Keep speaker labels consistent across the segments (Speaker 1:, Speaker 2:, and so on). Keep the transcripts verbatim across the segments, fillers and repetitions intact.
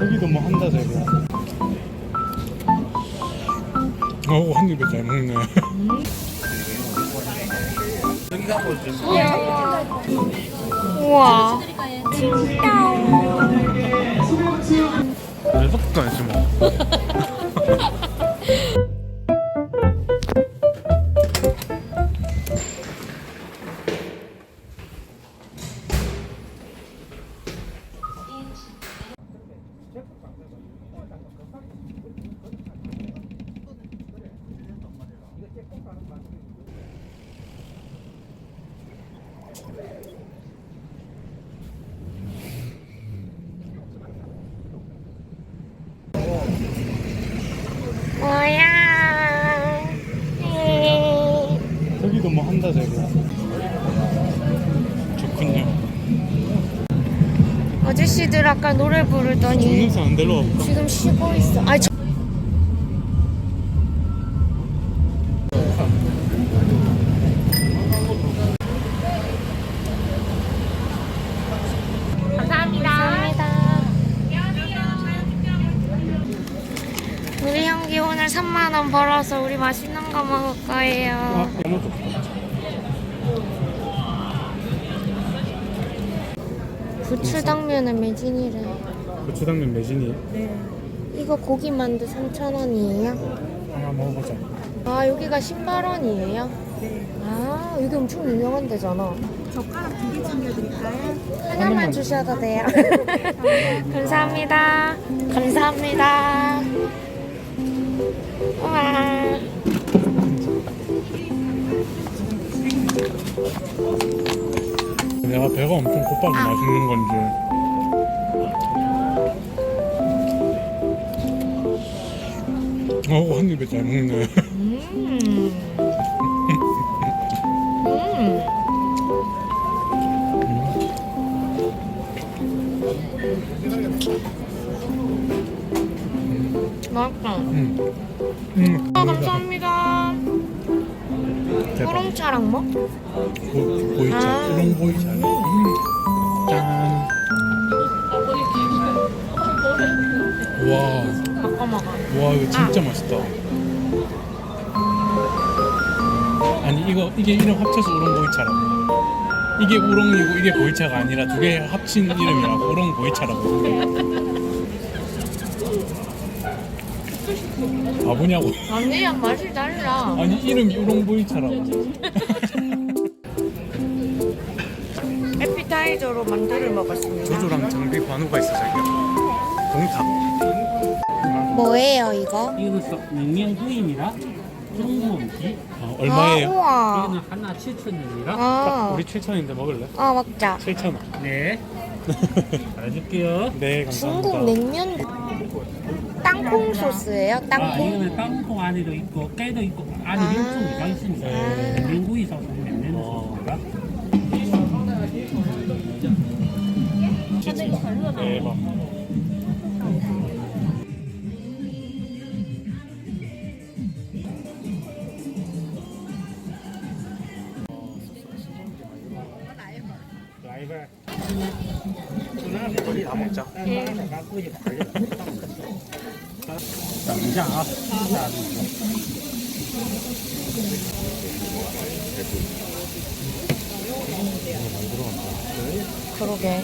Speaker 1: 저기도 뭐 한다 저기. 어우 한 입에 잘 먹네.
Speaker 2: 우와.
Speaker 1: 내 속도 안 심어.
Speaker 2: 뭐야?
Speaker 1: 저기도 뭐 한다 저기. 좋군요.
Speaker 2: 아저씨들 아까 노래 부르더니
Speaker 1: 정릉선 안 데려와 볼까?
Speaker 2: 지금 쉬고 있어. 아, 저... 감사합니다. 감사합니다. 우리 형기 오늘 삼만 원 벌어서 우리 맛있는 거 먹을 거예요.
Speaker 1: 아, 너무 좋다.
Speaker 2: 부추당면은 매진이래.
Speaker 1: 고추당면 매진이.
Speaker 2: 네. 이거 고기 만두 삼천 원이에요?
Speaker 1: 하나 먹어보자.
Speaker 2: 아, 여기가 십팔 원이에요?
Speaker 3: 네.
Speaker 2: 아, 여기 엄청 유명한 데잖아.
Speaker 3: 젓가락 두 개 챙겨드릴까요?
Speaker 2: 하나만 주셔도 돼요. 감사합니다. 감사합니다. 우와.
Speaker 1: 내가 배가 엄청 고파서 맛있는 건지. 어우 한 입에 잘 먹네.
Speaker 2: 음. 음. 맛있다.
Speaker 1: 음. 음.
Speaker 2: 아, 감사합니다.
Speaker 1: 대박.
Speaker 2: 우롱차랑 뭐?
Speaker 1: 보, 보이차.
Speaker 2: 아.
Speaker 1: 우롱 보이차. 음. 짠. 와.
Speaker 2: 바꿔 먹어.
Speaker 1: 와 이거 진짜 맛있다. 아니 이거 이게 이름 합쳐서 우롱 보이차라고. 이게 우롱이고 이게 보이차가 아니라 두 개 합친 이름이라고 우롱 보이차라고. 바보냐고.
Speaker 2: 아니야, 맛이 달라.
Speaker 1: 아니 이름이 우롱 보이차라고.
Speaker 2: 에피타이저로 만두를 먹었습니다.
Speaker 1: 조조랑 장비 관우가 있어 저기요. 동탑.
Speaker 2: 뭐예요, 이거?
Speaker 4: 이거는 냉면구이입니다. 중국음식.
Speaker 1: 어, 얼마예요?
Speaker 2: 아, 우와.
Speaker 4: 이거는 하나 칠천 원입니다.
Speaker 2: 아,
Speaker 1: 우리 칠천인데 먹을래?
Speaker 2: 아, 먹자.
Speaker 1: 칠천 원.
Speaker 4: 네. 잘해줄게요.
Speaker 1: 네 감사합니다.
Speaker 2: 중국 냉면 땅콩 소스예요?
Speaker 4: 아,
Speaker 2: 땅콩?
Speaker 4: 이거는 땅콩 안에도 있고 깨도 있고 안에
Speaker 2: 아.
Speaker 4: 육종이 있습니다.
Speaker 1: 네.
Speaker 4: 냉면구이 소스, 냉면
Speaker 1: 어.
Speaker 4: 소스입니다.
Speaker 1: 대박. 우리 다 먹자.
Speaker 4: 자, 아,
Speaker 2: 그러게.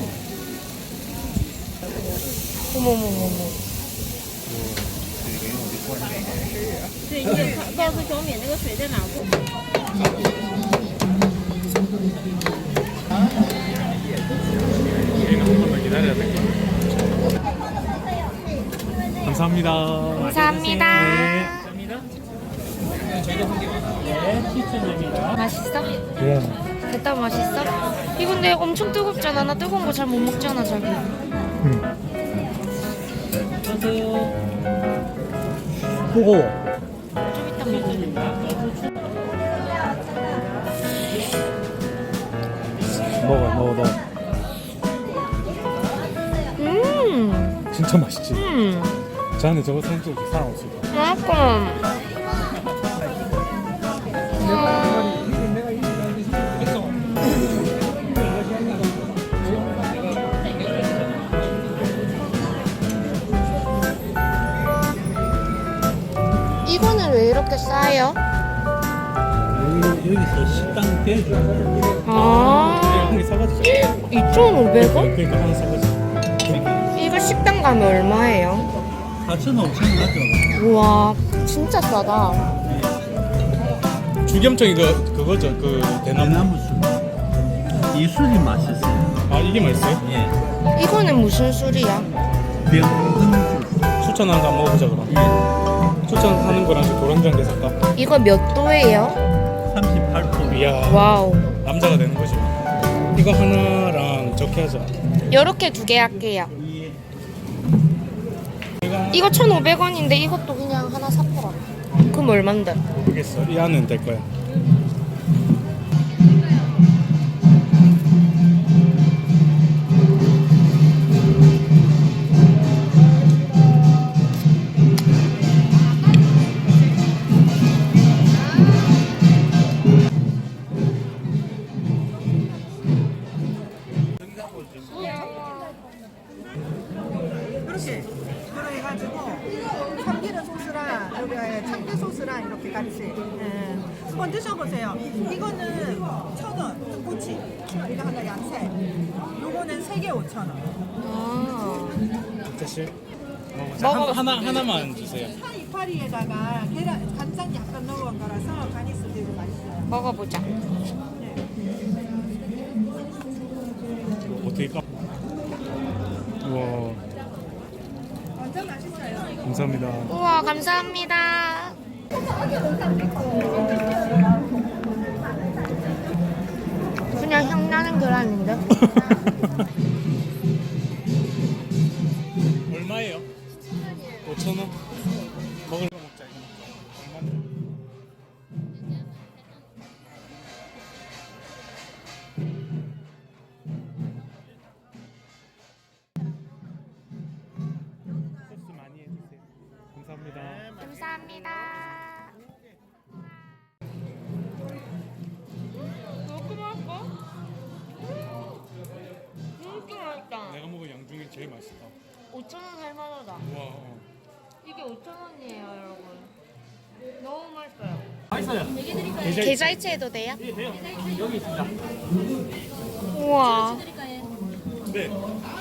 Speaker 2: 어머머머머.
Speaker 3: 对，你得告诉小敏那个水在哪儿。
Speaker 1: 우리는 한 번만 기다려야 될 거야. 감사합니다.
Speaker 2: 감사합니다.
Speaker 4: 네, 칠천 원입니다.
Speaker 2: 맛있어?
Speaker 1: 네.
Speaker 2: 됐다, 맛있어? 이거 근데 엄청 뜨겁잖아. 나 뜨거운 거 잘 못 먹잖아, 자기.
Speaker 1: 음.
Speaker 4: 어서요.
Speaker 1: 뜨거워.
Speaker 2: 좀 이따 먹어.
Speaker 1: 먹어, 먹어, 먹어.
Speaker 2: 음,
Speaker 1: 진짜 맛있지?
Speaker 2: 음,
Speaker 1: 저 안에 저거 사진 찍을 사람 없을 거야.
Speaker 2: 맛있어. 이렇게 싸요?
Speaker 4: 여기, 여기서 식당 대주.
Speaker 2: 아,
Speaker 1: 한 개 사가지고.
Speaker 2: 이천오백 원?
Speaker 1: 그러니까 하나 사가지고.
Speaker 2: 이거 식당 가면 얼마예요?
Speaker 4: 사천 오천 원 하죠.
Speaker 2: 우와, 진짜 싸다.
Speaker 1: 주겸청 이거 그거죠. 그 대나무.
Speaker 4: 대나무 술. 이 술이 맛있어요.
Speaker 1: 아 이게 맛있어요?
Speaker 4: 예.
Speaker 2: 이거는 무슨 술이야?
Speaker 4: 병금 술.
Speaker 1: 추천한 거 한번 먹어보자 그럼.
Speaker 4: 예.
Speaker 1: 추천하는 거랑 저 도랑장 게 살까?
Speaker 2: 이거 몇 도예요?
Speaker 4: 삼십팔 도.
Speaker 1: 이야.
Speaker 2: 와우.
Speaker 1: 남자가 되는 거지. 이거 하나랑 적게 하자.
Speaker 2: 요렇게 두 개 할게요.
Speaker 4: 예.
Speaker 1: 이거
Speaker 2: 이거 천오백 원인데 이것도 그냥 하나 사보라. 그럼 얼만데?
Speaker 1: 모르겠어. 이 안은 될 거야.
Speaker 5: 그렇게 그래가지고 참기름 소스랑 여기 참깨 소스랑 이렇게 같이 예. 한번 드셔보세요. 이거는 천 원 등꼬치, 이거 하나 양새. 요거는 세 개 오천 원.
Speaker 2: 아,
Speaker 1: 다시.
Speaker 2: 먹어봐.
Speaker 1: 하나 하나만 주세요.
Speaker 5: 파 이파리에다가 계란 간장 약간 넣은 거라서 간이 쓰기도 맛있어요.
Speaker 2: 먹어보자.
Speaker 1: 어떻게 까? 우와.
Speaker 5: 완전 맛있어요.
Speaker 1: 감사합니다.
Speaker 2: 우와, 감사합니다. 그냥 향 나는 계란인데?
Speaker 1: 얼마예요? 오천 원. 먹을 거 먹자 이거. 얼마인데? 소스 많이 해주세요. 감사합니다.
Speaker 2: 감사합니다. 이렇게 맛있어? 진짜 맛있다.
Speaker 1: 내가 먹은 양 중에 제일 맛있다.
Speaker 2: 오천 원 할만하다.
Speaker 1: 와. 어.
Speaker 2: 이게 오천 원이에요, 여러분. 너무 맛있어요.
Speaker 4: 맛있어요.
Speaker 1: 계좌
Speaker 2: 계좌이체 해도 돼요?
Speaker 4: 예, 돼요. 여기 있습니다.
Speaker 2: 우와.
Speaker 1: 네.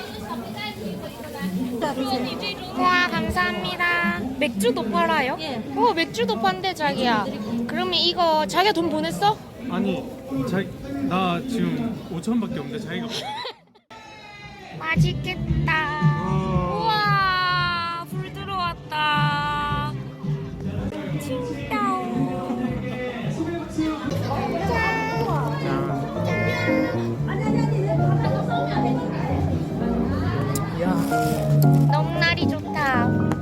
Speaker 2: 우와, 감사합니다. 맥주도 팔아요? 예. 우와, 맥주도 판대, 자기야. 그러면 이거 자기가 돈 보냈어?
Speaker 1: 아니, 자, 나 지금 오천 원밖에 없는데 자기가
Speaker 2: 맛있겠다.
Speaker 1: 우와.
Speaker 2: 우와, 불 들어왔다. 진짜. 너무 날이 좋다.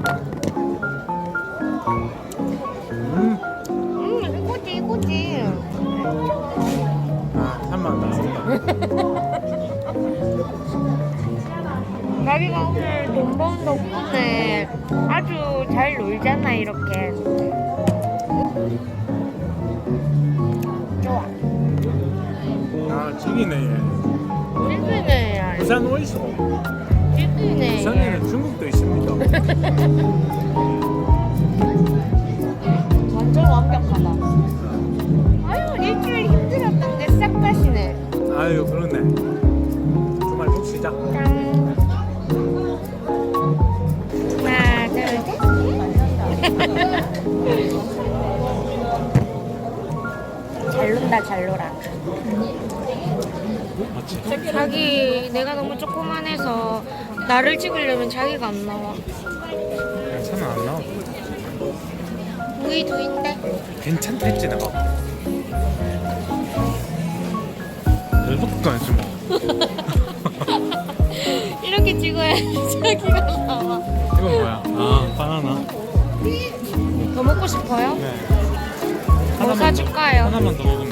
Speaker 1: 음.
Speaker 2: 음, 이거지, 이거지.
Speaker 1: 아, 삼만 원 나왔다.
Speaker 2: 자기가 오늘 돈 번 덕분에 아주 잘 놀잖아, 이렇게. 좋아.
Speaker 1: 아, 찌기네.
Speaker 2: 찌기네.
Speaker 1: 부산 어디서?
Speaker 2: 찌기네.
Speaker 1: 부산에는 중국도 있습니다.
Speaker 2: 완전 완벽하다. 아유, 일주일 힘들었던 게 싹 가시네.
Speaker 1: 아유, 그러네. 주말 푹 쉬자.
Speaker 2: 짠. 하나, 둘, 셋. 잘 논다, 잘 놀아.
Speaker 1: 맞지?
Speaker 2: 자기, 내가 너무 조그만해서 나를 찍으려면 자기가 안 나와.
Speaker 1: 괜찮아, 안 나와.
Speaker 2: 우리 둘인데?
Speaker 1: 괜찮다 했지, 내가. 별것도 아니지 뭐.
Speaker 2: 이렇게 찍어야지 자기가 나와.
Speaker 1: 이건 뭐야? 아, 바나나.
Speaker 2: 더 먹고 싶어요?
Speaker 1: 네.
Speaker 2: 뭐 사줄까요?
Speaker 1: 하나만 더 먹으면